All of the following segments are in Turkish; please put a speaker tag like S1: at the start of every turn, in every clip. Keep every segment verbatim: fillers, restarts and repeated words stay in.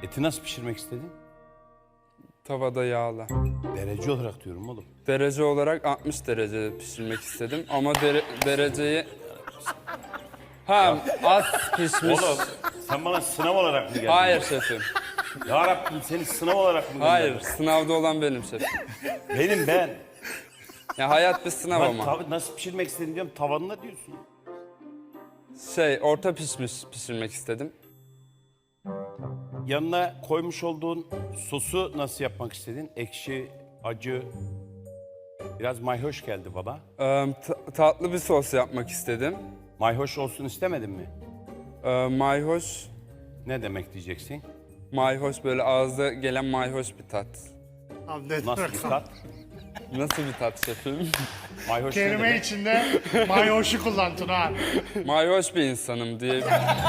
S1: Eti nasıl pişirmek istedin?
S2: Tavada yağla.
S1: Derece olarak diyorum oğlum.
S2: Derece olarak altmış derecede pişirmek istedim ama dere- dereceyi... Ha, az pişmiş.
S1: Oğlum sen bana sınav olarak mı geldin?
S2: Hayır şefim.
S1: Ya Rabbim seni sınav olarak mı
S2: Hayır,
S1: gönderdin?
S2: sınavda olan benim şefim.
S1: Benim ben.
S2: Ya hayat bir sınav
S1: Ben
S2: ama.
S1: tav- nasıl pişirmek istedin diyorum tavanına diyorsun.
S2: Şey, orta pişmiş pişirmek istedim.
S1: Yanına koymuş olduğun sosu nasıl yapmak istedin? Ekşi, acı, biraz mayhoş geldi bana.
S2: Ee, ta- tatlı bir sos yapmak istedim.
S1: Mayhoş olsun istemedin mi?
S2: Ee, mayhoş,
S1: Ne demek diyeceksin?
S2: mayhoş böyle ağızda gelen mayhoş bir tat.
S3: Abi ne
S1: Nasıl bir tat?
S2: Nasıl bir tat şefim?
S1: Mayhoş ne
S3: Kelime
S1: demek?
S3: içinde mayoşu kullan Tuna.
S2: Mayhoş bir insanım diye.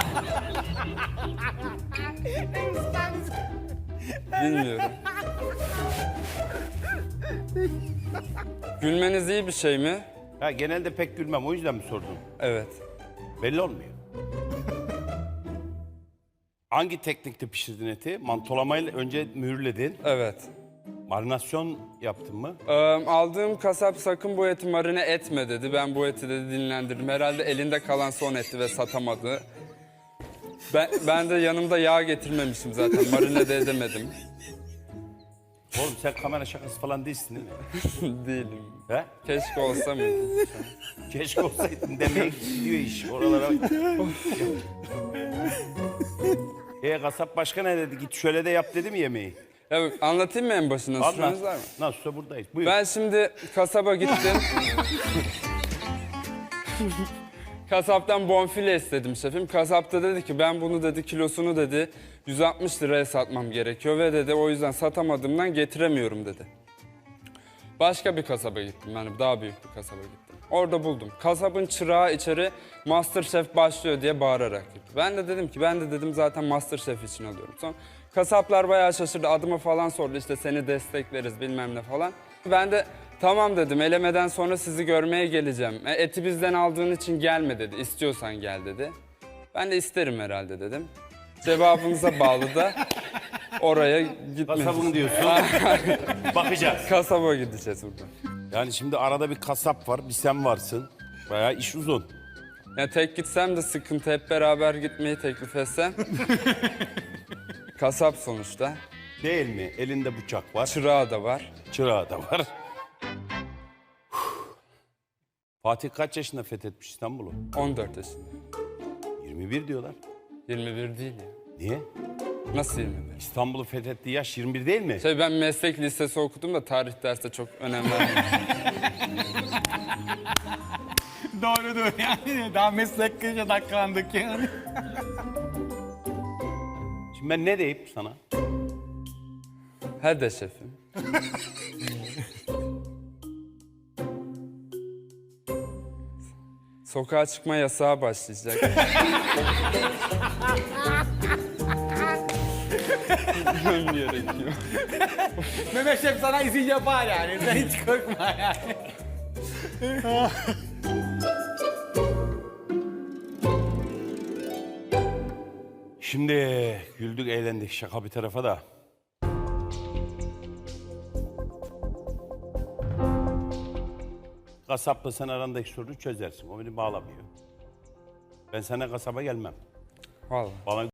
S2: Bilmiyorum. Gülmeniz iyi bir şey mi?
S1: Ha, genelde pek gülmem o yüzden mi sordun?
S2: Evet.
S1: Belli olmuyor. Hangi teknikte pişirdin eti? Mantolamayla önce mühürledin.
S2: Evet.
S1: Marinasyon yaptın mı?
S2: Ee, aldığım kasap sakın bu eti marine etme dedi. Ben bu eti dedi dinlendirdim. Herhalde elinde kalan son etti ve satamadı. Ben, ben de yanımda yağ getirmemişim zaten. Marine de edemedim.
S1: Oğlum sen kamera şakası falan değilsin değil mi?
S2: Değilim.
S1: He?
S2: Keşke olsa mıydı?
S1: Keşke olsaydın demeye gidiyor iş oralara. e kasap başka ne dedi? Git şöyle de yap dedi mi yemeği?
S2: Ya anlatayım mı en başından?
S1: Anlat.
S2: Süreniz var mı?
S1: Nasılsa buradayız. Buyur.
S2: Ben şimdi kasaba gittim. Kasaptan bonfile istedim şefim. Kasap da dedi ki ben bunu dedi kilosunu dedi yüz altmış liraya satmam gerekiyor ve dedi o yüzden satamadığımdan getiremiyorum dedi. Başka bir kasaba gittim yani daha büyük bir kasaba gittim. Orada buldum. Kasabın çırağı içeri MasterChef başlıyor diye bağırarak girdi. Ben de dedim ki ben de dedim zaten MasterChef için alıyorum. Sonra kasaplar bayağı şaşırdı. Adımı falan sordu işte seni destekleriz bilmem ne falan. Ben de tamam dedim elemeden sonra sizi görmeye geleceğim. E, eti bizden aldığın için gelme dedi. İstiyorsan gel dedi. Ben de isterim herhalde dedim. Cevabınıza bağlı da oraya gitmek.
S1: Kasabın diyorsun. Bakacağız.
S2: Kasaba gideceğiz buradan.
S1: Yani şimdi arada bir kasap var, bir sen varsın. Bayağı iş uzun.
S2: Ya tek gitsem de sıkıntı hep beraber gitmeyi teklif etsem. Kasap sonuçta.
S1: Değil mi? Elinde bıçak var,
S2: Çırağı da var.
S1: çırağı da var. Fatih kaç yaşında fethetmiş İstanbul'u?
S2: on dört yaşında.
S1: yirmi bir diyorlar.
S2: yirmi bir değil ya.
S1: Niye?
S2: Nasıl yirmi bir?
S1: İstanbul'u fethettiği yaş yirmi bir değil mi?
S2: Şey ben meslek lisesi okudum da tarih derste çok önem vermedim.
S4: Doğrudur yani. Daha meslekte odaklandık yani.
S1: Şimdi ben ne deyip sana?
S2: Hadi şefim. Sokağa çıkma yasağı başlayacak. Gitmem gerekiyor.
S4: Mehmet Şef sana izin yapar yani. Sen hiç korkma yani.
S1: Şimdi güldük, eğlendik. Şaka bir tarafa da. Kasapla sen arandaki sorunu çözersin. O beni bağlamıyor. Ben sana kasaba gelmem.
S2: Vallahi.
S1: Bana